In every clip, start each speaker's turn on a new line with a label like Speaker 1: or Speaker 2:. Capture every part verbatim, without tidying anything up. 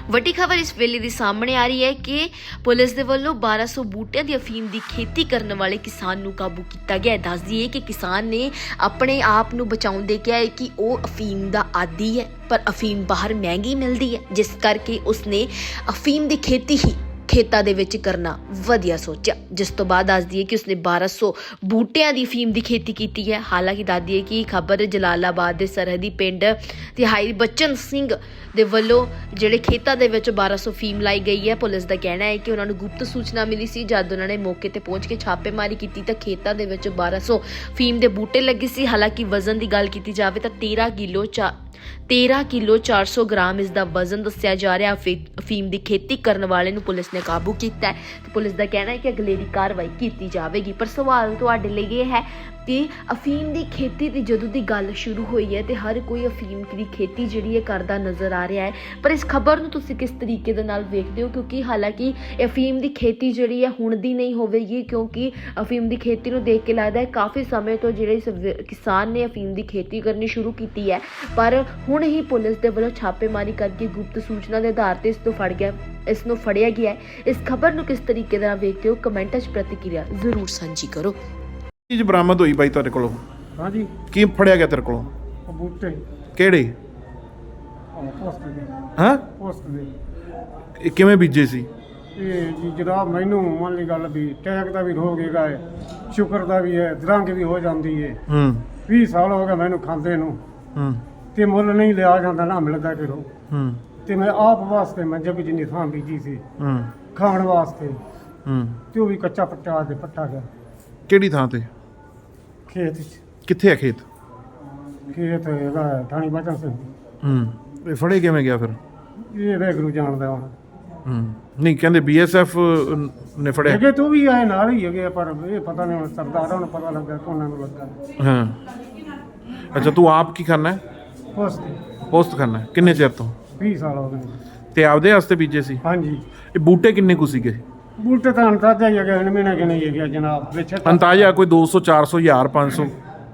Speaker 1: ਵੱਡੀ ਖਬਰ ਇਸ ਵੇਲੇ ਦੀ ਸਾਹਮਣੇ ਆ ਰਹੀ ਹੈ ਕਿ ਪੁਲਿਸ ਦੇ ਵੱਲੋਂ ਬਾਰਾਂ ਸੌ ਬੂਟਿਆਂ ਦੀ ਅਫੀਮ ਦੀ ਖੇਤੀ ਕਰਨ ਵਾਲੇ ਕਿਸਾਨ ਨੂੰ ਕਾਬੂ ਕੀਤਾ ਗਿਆ ਹੈ। ਦੱਸ ਦਈਏ ਕਿ ਕਿਸਾਨ ਨੇ ਆਪਣੇ ਆਪ ਨੂੰ ਬਚਾਉਣ ਦੇ ਕਿਹਾ ਹੈ ਕਿ ਉਹ ਅਫੀਮ ਦਾ ਆਦੀ ਹੈ, ਪਰ ਅਫੀਮ ਬਾਹਰ ਮਹਿੰਗੀ ਮਿਲਦੀ ਹੈ, ਜਿਸ ਕਰਕੇ ਉਸਨੇ ਅਫੀਮ ਦੀ ਖੇਤੀ ਹੀ ਖੇਤਾਂ ਦੇ ਵਿੱਚ ਕਰਨਾ ਵਧੀਆ ਸੋਚਿਆ। ਜਿਸ ਤੋਂ ਬਾਅਦ ਦੱਸ ਦਈਏ ਕਿ ਉਸਨੇ ਬਾਰਾਂ ਸੌ ਬੂਟਿਆਂ ਦੀ ਅਫੀਮ ਦੀ ਖੇਤੀ ਕੀਤੀ ਹੈ। ਹਾਲਾਂਕਿ ਦੱਸ ਦਈਏ ਕਿ ਖਬਰ ਜਲਾਲਾਬਾਦ ਦੇ ਸਰਹੱਦੀ ਪਿੰਡ ਤਿਹਾਈ ਬਚਨ ਸਿੰਘ ਦੇ ਵੱਲੋਂ ਜਿਹੜੇ ਖੇਤਾਂ ਦੇ ਵਿੱਚ ਬਾਰਾਂ ਸੌ ਅਫੀਮ ਲਾਈ ਗਈ ਹੈ। ਪੁਲਿਸ ਦਾ ਕਹਿਣਾ ਹੈ ਕਿ ਉਹਨਾਂ ਨੂੰ ਗੁਪਤ ਸੂਚਨਾ ਮਿਲੀ ਸੀ। ਜਦ ਉਹਨਾਂ ਨੇ ਮੌਕੇ ਤੇ ਪਹੁੰਚ ਕੇ ਛਾਪੇਮਾਰੀ ਕੀਤੀ ਤਾਂ ਖੇਤਾਂ ਦੇ ਵਿੱਚ ਬਾਰਾਂ ਸੌ ਅਫੀਮ ਦੇ ਬੂਟੇ ਲੱਗੇ ਸੀ। ਹਾਲਾਂਕਿ ਵਜ਼ਨ ਦੀ ਗੱਲ ਕੀਤੀ ਜਾਵੇ ਤਾਂ ਤੇਰਾਂ ਕਿਲੋ ਚਾ ਤੇਰਾਂ ਕਿਲੋ ਚਾਰ ਸੌ ਗ੍ਰਾਮ ਇਸ ਦਾ ਵਜ਼ਨ ਦੱਸਿਆ ਜਾ ਰਿਹਾ। ਅਫੀਮ ਦੀ ਖੇਤੀ ਕਰਨ ਵਾਲੇ ਨੂੰ ਪੁਲਿਸ ਨੇ ਕਾਬੂ ਕੀਤਾ ਹੈ ਤੇ ਪੁਲਿਸ ਦਾ ਕਹਿਣਾ ਹੈ ਕਿ ਅਗਲੇਰੀ ਕਾਰਵਾਈ ਕੀਤੀ ਜਾਵੇਗੀ। ਪਰ ਸਵਾਲ ਤੁਹਾਡੇ ਲਈ ਇਹ ਹੈ ਕਿ ਅਫੀਮ ਦੀ ਖੇਤੀ ਦੀ ਜਦੋਂ ਦੀ ਗੱਲ ਸ਼ੁਰੂ ਹੋਈ ਹੈ ਤੇ ਹਰ ਕੋਈ ਅਫੀਮ ਦੀ ਖੇਤੀ ਜਿਹੜੀ ਹੈ ਕਰਦਾ ਨਜ਼ਰ ਆ ਰਿਹਾ ਹੈ। ਪਰ ਇਸ ਖਬਰ ਨੂੰ ਤੁਸੀਂ ਕਿਸ ਤਰੀਕੇ ਦੇ ਨਾਲ ਵੇਖਦੇ ਹੋ? ਕਿਉਂਕਿ ਹਾਲਾਂਕਿ ਅਫੀਮ ਦੀ ਖੇਤੀ ਜਿਹੜੀ ਹੈ ਹੁਣ ਦੀ ਨਹੀਂ ਹੋਵੇਗੀ, ਕਿਉਂਕਿ ਅਫੀਮ ਦੀ ਖੇਤੀ ਨੂੰ ਦੇਖ ਕੇ ਲੱਗਦਾ ਹੈ ਕਾਫੀ ਸਮੇਂ ਤੋਂ ਜਿਹੜੇ ਕਿਸਾਨ ਨੇ ਅਫੀਮ ਦੀ ਖੇਤੀ ਕਰਨੀ ਸ਼ੁਰੂ ਕੀਤੀ ਹੈ, ਪਰ ਹੁਣ ਹੀ ਪੁਲਿਸ ਦੇ ਵੱਲੋਂ ਛਾਪੇਮਾਰੀ ਕਰਕੇ ਗੁਪਤ ਸੂਚਨਾ ਦੇ ਆਧਾਰ ਤੇ ਇਸ ਤੋਂ ਫੜ ਗਿਆ ਇਸ ਨੂੰ ਫੜਿਆ ਗਿਆ ਹੈ। ਇਸ ਖਬਰ ਨੂੰ ਕਿਸ ਤਰੀਕੇ ਨਾਲ ਵੇਖਦੇ ਹੋ? ਕਮੈਂਟਾਂ 'ਚ ਪ੍ਰਤੀਕਿਰਿਆ ਜ਼ਰੂਰ ਸਾਂਝੀ ਕਰੋ।
Speaker 2: ਚੀਜ਼ ਬਰਾਮਦ ਹੋਈ ਬਾਈ ਤੁਹਾਡੇ ਕੋਲੋਂ?
Speaker 3: ਹਾਂਜੀ,
Speaker 2: ਕੀ ਫੜਿਆ ਗਿਆ ਤੇਰੇ ਕੋਲੋਂ?
Speaker 3: ਉਹ ਬੂਟੇ
Speaker 2: ਕਿਹੜੇ?
Speaker 3: ਉਹ ਪੋਸਟ ਦੇ
Speaker 2: ਹਾਂ,
Speaker 3: ਪੋਸਟ ਦੇ
Speaker 2: ਇਹ ਕਿਵੇਂ ਬੀਜੇ ਸੀ?
Speaker 3: ਇਹ ਜੀ ਜਨਾਬ, ਮੈਨੂੰ ਮੰਨ ਲਈ ਗੱਲ ਵੀ ਟੈਕ ਦਾ ਵੀ ਰੋਗ ਹੈਗਾ ਹੈ, ਸ਼ੁਕਰ ਦਾ ਵੀ ਹੈ, ਦਰੰਗ ਵੀ ਹੋ ਜਾਂਦੀ ਹੈ।
Speaker 2: ਹੂੰ
Speaker 3: ਵੀਹ ਸਾਲ ਹੋ ਗਏ ਮੈਨੂੰ ਖਾਂਦੇ ਨੂੰ,
Speaker 2: ਹੂੰ
Speaker 3: ਤੇ ਮੁੱਲ ਨਹੀਂ ਲਿਆ ਜਾਂਦਾ, ਨਾ ਮਿਲਦਾ ਕਿਰੋ।
Speaker 2: ਹੂੰ
Speaker 3: ਤੇ ਮੈਂ ਆਪ ਵਾਸਤੇ ਮੈਂ ਜਗ ਜਿੰਨੀ ਥਾਂ ਬੀਜੀ ਸੀ
Speaker 2: ਹੂੰ
Speaker 3: ਖਾਣ ਵਾਸਤੇ,
Speaker 2: ਹੂੰ
Speaker 3: ਤੇ ਉਹ ਵੀ ਕੱਚਾ ਪੱਟਾ ਤੇ ਪੱਟਾ ਗਿਆ
Speaker 2: ਕਿਹੜੀ ਥਾਂ ਤੇ?
Speaker 3: ਖੇਤ 'ਚ।
Speaker 2: ਕਿੱਥੇ ਆ ਖੇਤ?
Speaker 3: ਖੇਤ ਹੈਗਾ ਥਾਣੀ ਬਚਨ ਸਿੰਘ।
Speaker 2: ਹੂੰ ਇਹ ਫੜੇ ਕਿਵੇਂ ਗਿਆ ਫਿਰ?
Speaker 3: ਇਹ ਵੈਗਰੂ ਜਾਣਦਾ ਹੁਣ।
Speaker 2: ਹੂੰ ਨਹੀਂ, ਕਹਿੰਦੇ ਬੀ ਐਸ ਐਫ ਨੇ ਫੜਿਆ।
Speaker 3: ਹੈਗੇ ਤੂੰ ਵੀ ਆਏ ਨਾਲ ਹੀ ਹੈਗੇ, ਪਰ ਇਹ ਪਤਾ ਨਹੀਂ ਹੁਣ ਸਰਦਾਰਾਂ ਨੂੰ ਪਤਾ ਲੱਗਾ ਕੋਨਾਂ ਨੂੰ ਲੱਗਾ।
Speaker 2: ਹਾਂ ਅੱਛਾ, ਤੂੰ ਆਪ ਕੀ ਕਰਨਾ ਹੈ?
Speaker 3: ਪੋਸਟ
Speaker 2: ਪੋਸਟ ਕਰਨਾ ਹੈ? ਕਿੰਨੇ ਚਿਰ ਤੋਂ?
Speaker 3: ਵੀਹ ਸਾਲ ਹੋ ਗਏ।
Speaker 2: ਤੇ ਆਪਦੇ ਵਾਸਤੇ ਬੀਜੇ ਸੀ?
Speaker 3: ਹਾਂਜੀ,
Speaker 2: ਇਹ ਬੂਟੇ ਕਿੰਨੇ ਕੁ ਸੀਗੇ?
Speaker 3: ਬੂਟੇ ਤਾਂ ਅੰਤਾਜਾ ਹੀ ਹੈਗੇ, ਹੁਣ ਮਹੀਨਾ ਕਿ ਨਹੀਂ ਹੈਗਾ ਜਨਾਬ। ਵਿੱਚ
Speaker 2: ਅੰਤਾਜ਼ਾ ਕੋਈ ਦੋ ਸੌ ਚਾਰ ਸੌ ਹਜ਼ਾਰ ਪੰਜ ਸੌ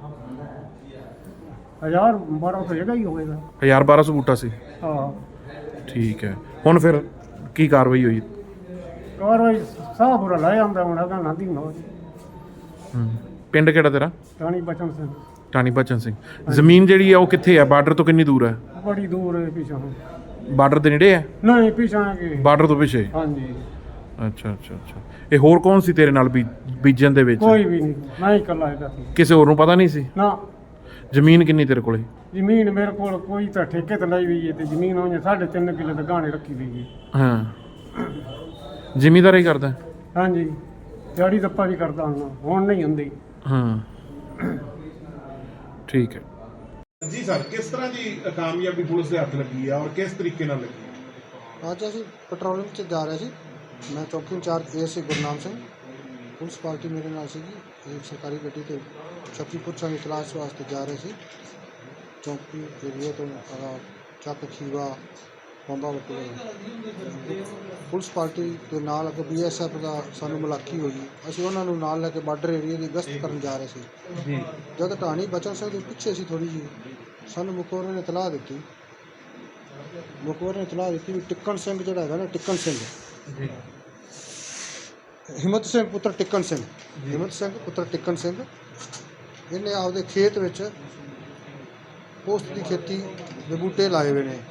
Speaker 3: ਹਜ਼ਾਰ ਬਾਰਾਂ ਸੌ ਹੈਗਾ ਹੀ ਹੋਵੇਗਾ।
Speaker 2: ਹਜ਼ਾਰ ਬਾਰਾਂ ਸੌ ਬੂਟਾ ਸੀ?
Speaker 3: ਹਾਂ,
Speaker 2: ਠੀਕ ਹੈ। ਹੁਣ ਫਿਰ ਕੀ ਕਾਰਵਾਈ ਹੋਈ?
Speaker 3: ਕਾਰਵਾਈ ਸਾਹ ਬੁਰਾ ਲੈ ਆਉਂਦਾ ਹੁਣ ਹੈਗਾ ਨਾਂਦੀ ਨਾ ਜੀ।
Speaker 2: ਹੂੰ ਪਿੰਡ ਕਿਹੜਾ ਤੇਰਾ?
Speaker 3: ਟਾਣੀ ਬਚਨ ਸਿੰਘ।
Speaker 2: ਟਾਣੀ ਬਚਨ ਸਿੰਘ। ਜ਼ਮੀਨ ਜਿਹੜੀ ਆ ਉਹ ਕਿੱਥੇ ਆ? ਬਾਰਡਰ ਤੋਂ ਕਿੰਨੀ ਦੂਰ ਹੈ?
Speaker 3: ਬੜੀ ਦੂਰ ਹੈ ਪਿਛਾਂ।
Speaker 2: ਬਾਰਡਰ ਦੇ ਨੇੜੇ ਹੈ?
Speaker 3: ਨਹੀਂ, ਪਿਛਾਂ ਕਿ
Speaker 2: ਬਾਰਡਰ ਤੋਂ ਪਿੱਛੇ?
Speaker 3: ਹਾਂਜੀ।
Speaker 2: ਅੱਛਾ ਅੱਛਾ ਅੱਛਾ। ਇਹ ਹੋਰ ਕੌਣ ਸੀ ਤੇਰੇ ਨਾਲ ਬੀ- ਬੀਜਣ ਦੇ ਵਿੱਚ?
Speaker 3: ਕੋਈ ਵੀ ਨਹੀਂ, ਮੈਂ ਹੀ ਇਕੱਲਾ ਹੈਗਾ ਸੀ।
Speaker 2: ਕਿਸੇ ਹੋਰ ਨੂੰ ਪਤਾ ਨਹੀਂ ਸੀ?
Speaker 3: ਨਾ,
Speaker 2: ਜ਼ਮੀਨ ਕਿੰਨੀ ਤੇਰੇ ਕੋਲੇ?
Speaker 3: ਜ਼ਮੀਨ ਮੇਰੇ ਕੋਲ ਕੋਈ ਤਾਂ ਠੇਕੇ ਤੇ ਲਈ ਹੋਈ ਹੈ, ਤੇ ਜ਼ਮੀਨ ਉਹਨੇ ਸਾਢੇ ਤਿੰਨ ਕਿੱਲੇ ਤੇ ਗਾਣੇ ਰੱਖੀ ਹੋਈ ਹੈ।
Speaker 2: ਹਾਂ, ਜ਼ਿਮੀਂਦਾਰੀ ਕਰਦਾ?
Speaker 3: ਹਾਂਜੀ, ਦਿਹਾੜੀ ਦੱਪਾ ਵੀ ਕਰਦਾ ਹੁਣ, ਹੁਣ ਨਹੀਂ ਹੁੰਦੀ।
Speaker 2: ਹਾਂ ਠੀਕ ਹੈ
Speaker 4: ਜੀ ਸਰ, ਕਿਸ ਤਰ੍ਹਾਂ ਦੀ ਕਾਮਯਾਬੀ ਪੁਲਿਸ ਦੇ ਹੱਥ ਲੱਗੀ ਆ ਔਰ ਕਿਸ ਤਰੀਕੇ ਨਾਲ ਲੱਗੀ?
Speaker 5: ਅੱਜ ਅਸੀਂ ਪੈਟਰੋਲਿੰਗ 'ਚ ਜਾ ਰਹੇ ਸੀ। ਮੈਂ ਚੌਕੀ incharge A S I Gurnam Singh, police party ਮੇਰੇ ਨਾਲ ਸੀਗੀ। ਇੱਕ ਸਰਕਾਰੀ ਗੱਡੀ 'ਤੇ ਸ਼ਕਤੀਪੁਰ ਸੰਗ ਤਲਾਸ਼ ਵਾਸਤੇ ਜਾ ਰਹੇ ਸੀ। ਚੌਕੀ ਏਰੀਏ ਤੋਂ ਆਹ ਚੱਕ ਖੀਵਾ ਬੰਬਾ ਵਟੇ ਪੁਲਿਸ ਪਾਰਟੀ ਦੇ ਨਾਲ ਅੱਗੇ ਬੀ ਐਸ ਐਫ ਦਾ ਸਾਨੂੰ ਮੁਲਾਕੀ ਹੋਈ। ਅਸੀਂ ਉਹਨਾਂ ਨੂੰ ਨਾਲ ਲੈ ਕੇ ਬਾਰਡਰ ਏਰੀਏ ਦੀ ਗਸ਼ਤ ਕਰਨ ਜਾ ਰਹੇ ਸੀ।
Speaker 4: ਜੀ,
Speaker 5: ਜਦ ਢਾਣੀ ਬਚਨ ਸਿੰਘ ਦੇ ਪਿੱਛੇ ਸੀ ਥੋੜ੍ਹੀ ਜਿਹੀ, ਸਾਨੂੰ ਮੁਖਬਰ ਨੇ ਇਤਲਾਹ ਦਿੱਤੀ ਮੁਖਬਰ ਨੇ ਇਤਲਾਹ ਦਿੱਤੀ ਵੀ ਟਿੱਕਣ ਸਿੰਘ ਜਿਹੜਾ ਹੈਗਾ ਨਾ, ਟਿੱਕਣ ਸਿੰਘ
Speaker 4: ਜੀ,
Speaker 5: ਹਿੰਮਤ ਸਿੰਘ ਪੁੱਤਰ ਟਿੱਕਣ ਸਿੰਘ ਹਿੰਮਤ ਸਿੰਘ ਪੁੱਤਰ ਟਿੱਕਣ ਸਿੰਘ ਇਹਨੇ ਆਪਦੇ ਖੇਤ ਵਿੱਚ ਪੋਸਤ ਦੀ ਖੇਤੀ ਦੇ ਬੂਟੇ ਲਾਏ ਹੋਏ ਨੇ।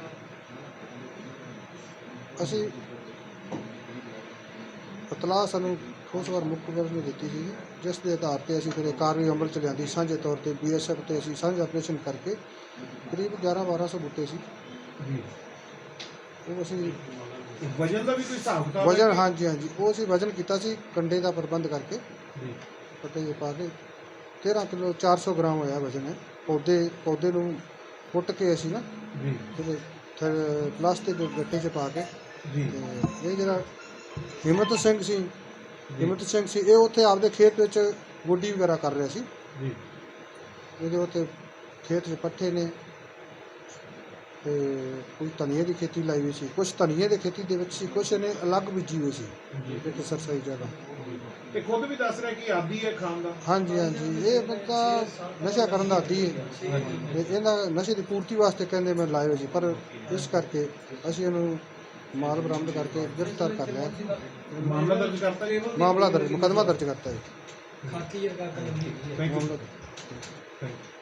Speaker 5: ਅਸੀਂ ਇਤਲਾਹ ਸਾਨੂੰ ਠੋਸ ਵਾਰ ਮੁਖਬਰ ਨੇ ਦਿੱਤੀ ਸੀ, ਜਿਸ ਦੇ ਆਧਾਰ 'ਤੇ ਅਸੀਂ ਫਿਰ ਇਹ ਕਾਰਵਾਈ ਅਮਲ 'ਚ ਲਿਆਂਦੀ। ਸਾਂਝੇ ਤੌਰ 'ਤੇ ਬੀ ਐਸ ਐਫ 'ਤੇ ਅਸੀਂ ਸਾਂਝਾ ਆਪਰੇਸ਼ਨ ਕਰਕੇ ਕਰੀਬ ਗਿਆਰਾਂ ਬਾਰਾਂ ਸੌ ਬੂਟੇ ਸੀ
Speaker 4: ਜੀ।
Speaker 5: ਉਹ ਅਸੀਂ
Speaker 4: ਵਜਨ ਦਾ ਵੀ ਕੋਈ ਹਿਸਾਬ ਕਿਤਾਬ?
Speaker 5: ਵਜਨ, ਹਾਂਜੀ ਹਾਂਜੀ, ਉਹ ਅਸੀਂ ਵਜਨ ਕੀਤਾ ਸੀ ਕੰਡੇ ਦਾ ਪ੍ਰਬੰਧ ਕਰਕੇ।
Speaker 4: ਜੀ,
Speaker 5: ਪੱਟੇ ਜਿਹੇ ਪਾ ਕੇ ਤੇਰਾਂ ਕਿਲੋ ਚਾਰ ਸੌ ਗ੍ਰਾਮ ਹੋਇਆ ਵਜਨ ਹੈ। ਪੌਦੇ ਪੌਦੇ ਨੂੰ ਫੁੱਟ ਕੇ ਅਸੀਂ ਨਾ
Speaker 4: ਜੀ,
Speaker 5: ਫਿਰ ਪਲਾਸਟਿਕ ਦੇ ਗੱਟੇ 'ਚ ਪਾ ਕੇ।
Speaker 4: ਜੀ,
Speaker 5: ਤੇ ਇਹ ਜਿਹੜਾ ਹਿੰਮਤ ਸਿੰਘ ਸੀ ਹਿੰਮਤ ਸਿੰਘ ਸੀ ਇਹ ਉੱਥੇ ਆਪਦੇ ਖੇਤ ਵਿੱਚ ਗੋਡੀ ਵਗੈਰਾ ਕਰ ਰਿਹਾ ਸੀ।
Speaker 4: ਜੀ,
Speaker 5: ਇਹਦੇ ਉੱਤੇ ਖੇਤ 'ਚ ਪੱਠੇ ਨੇ ਤੇ ਕੁਝ ਧਨੀਏ ਦੀ ਖੇਤੀ ਲਾਈ ਹੋਈ ਸੀ, ਕੁਛ ਧਨੀਏ ਦੀ ਖੇਤੀ ਦੇ ਵਿੱਚ ਸੀ, ਕੁਛ ਇਹਨੇ ਅਲੱਗ ਬੀਜੀ ਹੋਈ ਸੀ ਇੱਕ ਸਰਸਾਈ ਜਗ੍ਹਾ।
Speaker 4: ਤੇ ਖੁਦ ਵੀ ਦੱਸ ਰਿਹਾ ਕਿ ਆਦੀ ਹੈ ਖਾਣ ਦਾ।
Speaker 5: ਹਾਂਜੀ ਹਾਂਜੀ, ਇਹ ਬੰਦਾ ਨਸ਼ਾ ਕਰਨ ਦਾ ਆਦੀ ਹੈ ਤੇ ਇਹਦਾ ਨਸ਼ੇ ਦੀ ਪੂਰਤੀ ਵਾਸਤੇ ਕਹਿੰਦੇ ਮੈਂ ਲਾਏ ਹੋਏ ਸੀ, ਪਰ ਇਸ ਕਰਕੇ ਅਸੀਂ ਇਹਨੂੰ ਮਾਲ ਬਰਾਮਦ ਕਰਕੇ ਗ੍ਰਿਫਤਾਰ ਕਰ ਲਿਆ ਜੀ।
Speaker 4: ਮਾਮਲਾ ਦਰਜ ਕਰਤਾ ਜੀ ਇਹਨਾਂ
Speaker 5: ਮਾਮਲਾ ਦਰਜ ਮੁਕੱਦਮਾ ਦਰਜ ਕਰਤਾ ਹੈ
Speaker 4: ਥੈਂਕ ਯੂ
Speaker 5: ਮਾਮਲਾ